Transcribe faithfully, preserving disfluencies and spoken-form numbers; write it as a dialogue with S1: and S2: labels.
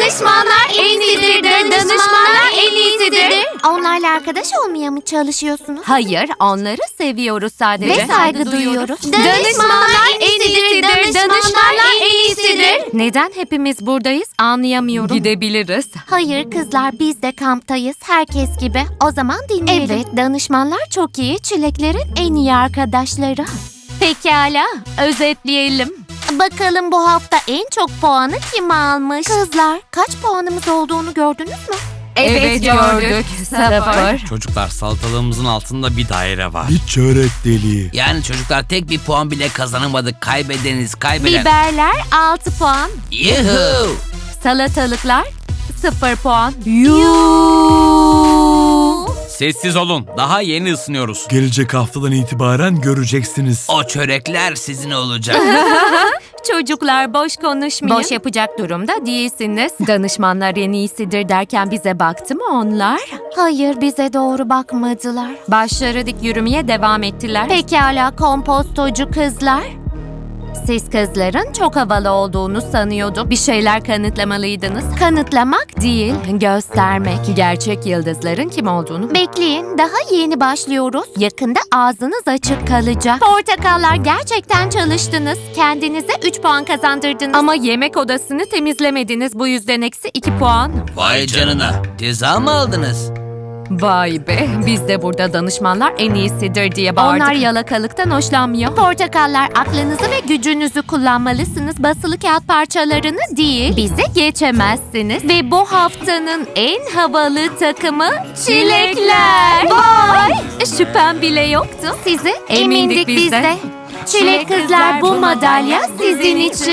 S1: Danışmanlar en iyisidir. Danışmanlar en iyisidir.
S2: Onlarla arkadaş olmaya mı çalışıyorsunuz?
S3: Hayır, onları seviyoruz sadece.
S2: Ve saygı duyuyoruz.
S1: Danışmanlar en iyisidir. Danışmanlar en iyisidir.
S3: Neden hepimiz buradayız anlayamıyorum. Gidebiliriz.
S2: Hayır kızlar, biz de kamptayız. Herkes gibi. O zaman dinleyelim. Evet, danışmanlar çok iyi. Çileklerin en iyi arkadaşları.
S3: Pekala, özetleyelim.
S2: Bakalım bu hafta en çok puanı kim almış? Kızlar, kaç puanımız olduğunu gördünüz mü?
S3: Evet, gördük. Sıfır.
S4: Çocuklar, salatalığımızın altında bir daire var.
S5: Bir çörek deliği.
S4: Yani çocuklar tek bir puan bile kazanamadık. Kaybedeniz, kaybeden.
S3: Biberler altı puan.
S4: Yuhuu!
S3: Salatalıklar sıfır puan.
S4: Sessiz olun. Daha yeni ısınıyoruz.
S5: Gelecek haftadan itibaren göreceksiniz.
S4: O çörekler sizin olacak.
S3: Çocuklar boş konuşmayın.
S2: Boş
S3: yapacak durumda değilsiniz. Danışmanlar en iyisidir derken bize baktı mı onlar?
S2: Hayır, bize doğru bakmadılar.
S3: Başları dik yürümeye devam ettiler.
S2: Pekala kompostocu kızlar.
S3: Siz kızların çok havalı olduğunu sanıyordum. Bir şeyler kanıtlamalıydınız.
S2: Kanıtlamak
S3: Değil, göstermek. Gerçek yıldızların kim olduğunu.
S2: Bekleyin, daha yeni başlıyoruz. Yakında ağzınız açık kalacak. Portakallar, gerçekten çalıştınız. Kendinize üç puan kazandırdınız.
S3: Ama yemek odasını temizlemediniz. Bu yüzden eksi iki puan.
S4: Vay canına. Ceza mı aldınız?
S3: Vay be, biz de burada danışmanlar en iyisidir diye bağırdık. Onlar yalakalıktan hoşlanmıyor.
S2: Portakallar, aklınızı ve gücünüzü kullanmalısınız. Basılı kağıt parçalarını değil.
S3: Bize geçemezsiniz. Ve bu haftanın en havalı takımı çilekler. Vay! Şüphem bile yoktu.
S2: Sizi
S3: Emindik
S2: emindik
S3: biz
S2: biz
S3: de.
S2: de. Çilek kızlar, bu madalya sizin için.